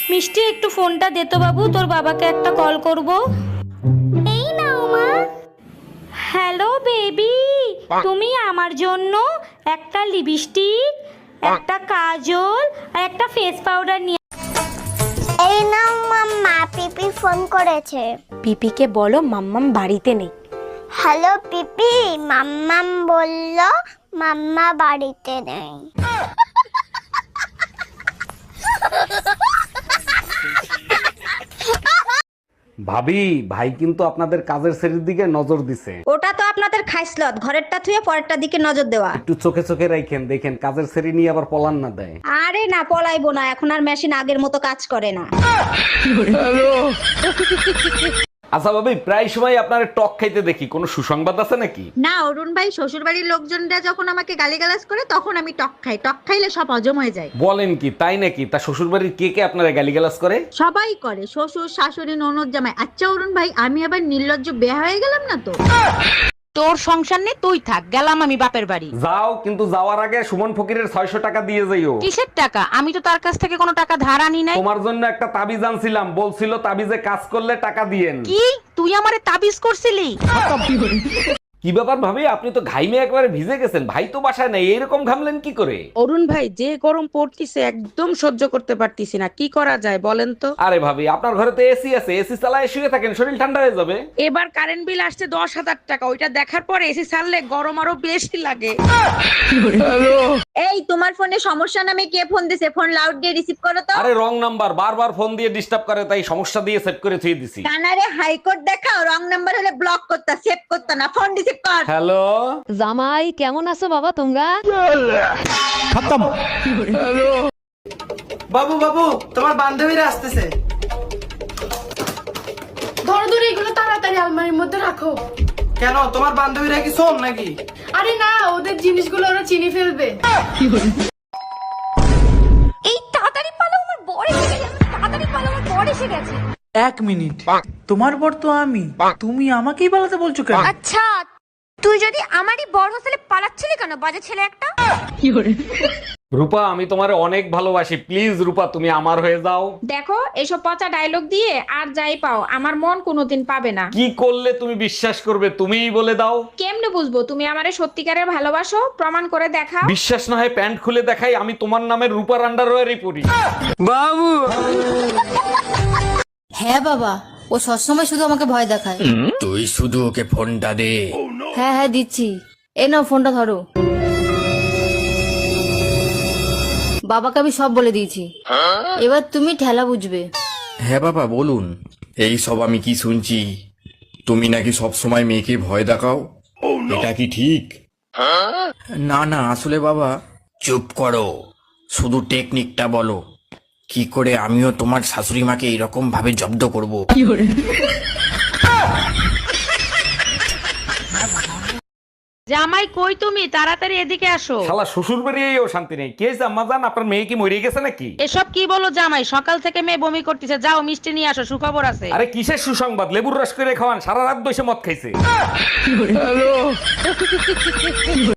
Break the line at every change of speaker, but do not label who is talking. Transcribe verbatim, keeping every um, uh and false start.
মিষ্টি একটু ফোনটা দে তো বাবু, তোর বাবাকে একটা কল করব। এই নাও মা। হ্যালো বেবি, তুমি আমার জন্য একটা লিপস্টিক, একটা কাজল আর একটা ফেস পাউডার নিয়ে।
এই নাও মাম্মা, পিপি ফোন করেছে।
পিপিকে বলো মাম্মাম বাড়িতে নেই।
হ্যালো পিপি, মাম্মাম বলল মাম্মা বাড়িতে নেই।
ভাবি, ভাই কিন্তু আপনাদের কাজের শ্রেণীর দিকে নজর দিছে।
ওটা তো আপনাদের খাইসলত, ঘরেরটা থুয়ে পরেরটা দিকে নজর দেওয়া।
একটু চোখে চোখে রাখেন, দেখেন কাজের শ্রেণী নিয়ে আবার পলান না দেয়।
আরে না, পলাইবো না, এখন আর মেশিন আগের মতো কাজ করে না।
আচ্ছা ভাবি, প্রায় সময় আপনার টক খাইতে দেখি, কোনো সুসংবাদ আছে নাকি?
না অরুণ ভাই, শ্বশুর বাড়ির লোকজনরা যখন আমাকে গালিগালাজ করে তখন আমি টক খাই। টক খাইলে সব হজম হয়ে যায়।
বলেন কি, তাই নাকি? তা শ্বশুর বাড়ির কে কে আপনারা গালিগালাজ করে?
সবাই করে, শ্বশুর শাশুড়ি ননদ জামাই। আচ্ছা অরুণ ভাই, আমি আবার নির্লজ্জ বেয়া হয়ে গেলাম না তো?
তোর সংসার নেই, তুই থাক, গেলাম আমি বাপের বাড়ি।
যাও, কিন্তু যাওয়ার আগে সুমন ফকিরের ছয়শো টাকা দিয়ে যাইও।
কিসের টাকা? আমি তো তার কাছ থেকে কোনো টাকা ধার আনি নাই।
তোমার জন্য একটা তাবিজ আনছিলাম, বলছিল তাবিজে কাজ করলে টাকা দিয়েন।
কি তুই আমারে তাবিজ করছিলি?
কি ব্যাপার ভাবি, আপনি তো ঘাইমে একবারে ভিজে গেছেন। ভাই তো বাসায় নাই, এইরকম ঘামলেন কি করে?
অরুণ ভাই, যে গরম পড়তিছে একদম সহ্য করতে পারতিছি না, কি করা যায় বলেন তো?
আরে ভাবি, আপনার ঘরে তো এসি আছে, এসি চালায় শুয়ে থাকেন, শরীর ঠান্ডা হয়ে যাবে।
এবার কারেন্ট বিল আসছে দশ হাজার টাকা, ওইটা দেখার পর এসি ছাড়লে গরম আরো বেশি লাগে।
এই তোমার ফোনে সমস্যা নামে কে ফোন দিছে? ফোন লাউড দিয়ে রিসিভ করো তো।
আরে রং নাম্বার, বারবার ফোন দিয়ে ডিস্টার্ব করে, তাই সমস্যা দিয়ে সেট করে থুয়ে দিছি।
কানারে হাইকোর্ট দেখাও, রং নাম্বার হলে ব্লক করতা, সেভ করতা না, ফোন রিসিভ কর।
হ্যালো
জামাই, কেমন আছো বাবা তোমরা?
বাবু বাবু, তোমার বান্ধবীরা আসতেছে।
ধরো ধরো, এগুলো তাড়াতাড়ি আলমারির মধ্যে রাখো।
কেন, তোমার বান্ধবীরা কি শোন নাকি?
আরে না, ওদের জিনিসগুলো ওরা চিনি ফেলবে।
এই তাড়াতাড়ি পালো, আমার বর এসে গেছে। তাড়াতাড়ি পালো, আমার বর এসে গেছে।
এক মিনিট, তোমার বর তো আমি, তুমি আমাকেই পালাতে বলছো কেন?
আচ্ছা, তুই যদি আমারই বর হোস্টেলে পালাচ্ছিলি কেন, বাজে ছেলে একটা?
রূপা, আমি তোমারে অনেক ভালোবাসি, প্লিজ রূপা তুমি আমার হয়ে যাও।
দেখো, এসব পচা ডায়লগ দিয়ে আর যাই পাও, আমার মন কোনোদিন পাবে না।
কি করলে তুমি বিশ্বাস করবে, তুমিই বলে দাও।
কেমনে বুঝবো তুমি আমারে সত্যিকারের ভালোবাসো? প্রমাণ করে দেখাও।
বিশ্বাস না হয় প্যান্ট খুলে দেখাই, আমি তোমার নামের রূপার আন্ডারওয়্যারই পরি।
বাবু,
হ্যাঁ বাবা, ও সবসময় শুধু আমাকে ভয় দেখায়।
তুই শুধু ওকে ফোনটা দে।
হ্যাঁ হ্যাঁ দিচ্ছি, এই নাও ফোনটা ধরো। বাবাকে আমি সব বলে দিয়েছি, এবার তুমি ঠেলা বুঝবে।
হ্যাঁ বাবা বলুন। এই সব আমি কি শুনছি? তুমি নাকি সব সময় মেয়েকে ভয় দেখাও, এটা কি ঠিক? না না, আসলে বাবা। চুপ করো, শুধু টেকনিকটা বলো, কি করে আমিও তোমার শাশুড়ি মাকে এরকম ভাবে জব্দ করব।
জামাই কই তুমি? তাড়াতাড়ি এদিকে আসো।
শালা শ্বশুর বাড়িয়েও শান্তি নেই। কে জাম্মা জান, আপনার মেয়ে কি মরে গেছে নাকি?
এসব কি বলো জামাই? সকাল থেকে মেয়ে বমি করতেছে, যাও মিষ্টি নিয়ে আসো, সুখবর আছে।
আরে কিসের সুসংবাদ? লেবুর রস করে খাওয়ান, সারা রাত বসে মদ খাইছে।